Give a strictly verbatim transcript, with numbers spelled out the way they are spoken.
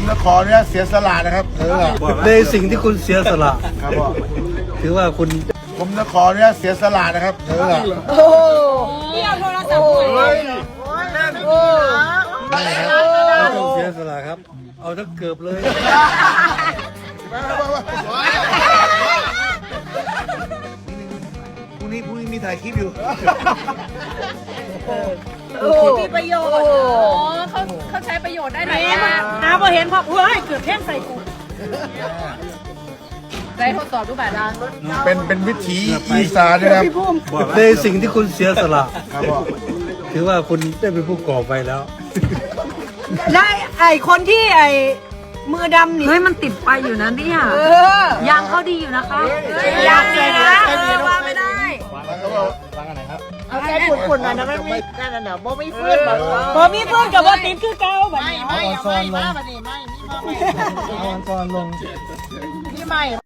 จะขอเนี่ยเสียสละนะครับเออในสิ่งที่คุณเสียสละครับพ่อถือว่าคุณผมจะขอเนี่ยเสียสละนะครับเออนี่เอาโทรศัพท์หน่อยไม่ครับไม่ต้องเสียสละครับ เอาทั้งเกือบเลยพรุ่งนี้พรุ่งนี้มีถ่ายคลิปอยู่มีประโยชน์อ๋อเขาเขาใช้ประโยชน์ได้ไหนน้าพอเห็นพอเฮ้ยเกือบเพ่งใส่กูได้ทดสอบรูปแบบนั้นเป็นเป็นวิถีอีสานนะครับในสิ่งที่คุณเสียสละครับพ่อถือว่าคุณได้เป็นผู้ก่อไปแล้วได้ไอคนที่ไอมือดำนี่เฮ้ยมันติดไฟอยู่นะเนี่ยเออยางเขาดีอยู่นะคะอยากเลยนะเออว่าไม่ได้เอาแค่ขุ่นๆหน่อยนะไม่มีนั่นน่ะเดี๋ยวโบไม่ฟื้นแบบพอมีเพื่อนกับว่าติดคือเก่าแบบไม่นี้ไม่เอาไม่มาแบบนี้ไม่นี่มาไม่เอาก่อนลงนี่ไม่